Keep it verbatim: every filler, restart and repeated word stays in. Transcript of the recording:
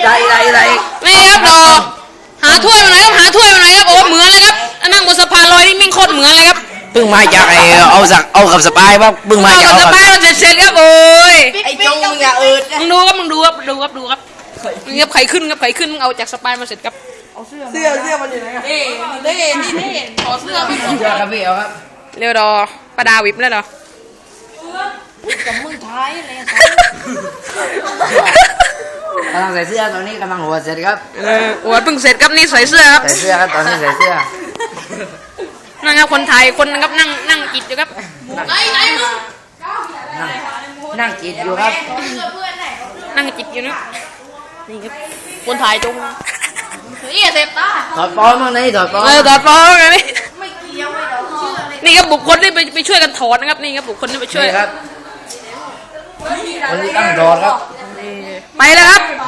ได้ได้ได้นี่ครับดอหาถ้วยมาหน่อยครับหาถ้วยมาหน่อยครับโอ้เหมือนเลยครับนั่งบนสะพานลอยนี่มิ่งโคตรเหมือนเลยครับเพิ่งมาจากไอเอาสักเอากับสปายป่ะเพิ่งมาเอาจากกับสเอาปายมาเสร็จเสร็จครับโอ้ยไอ้จงมึงอย่าเอิดนะมึงดูครับมึงดูครับดูครับดูครับนี่ครับไข่ขึ้นครับไข่ขึ้นมึงเอาจากสปายมาเสร็จครับเสื้อเสื้อมันอยู่ไหนอะเด้เด้นี่เด้ขอเสื้อพี่เชื่อครับพี่เอาครับเร็วดอประดาวิบแล้วดอกับมึงท้ายเลยกำลังใส่เสื้อตอนนี้กำลังหัวเสร็จครับเออโอ้ยเพิ่งเสร็จครับนี่ใส่เสื้อครับใส่เสื้อครับตอนนี้ใส่เสื้อนั่งครับคนไทยคนนะครับนั่งนั่งกินอยู่ครับไหนไหนมึงนั่งนั่งกินอยู่ครับนั่งจิบอยู่นะนี่ครับคนถ่ายจงเฮ้ยเสพตาถอดปอมบ้างนี่ถอดปอมเออถอดฟองไงนี่ไม่เกี่ยวไม่เดาเชื่อเลยนี่ครับบุคคลที่ไปไปช่วยกันถอดนะครับนี่ครับบุคคลที่ไปช่วยนี่ครับคนที่ตั้งถอดครับไปแล้วครับ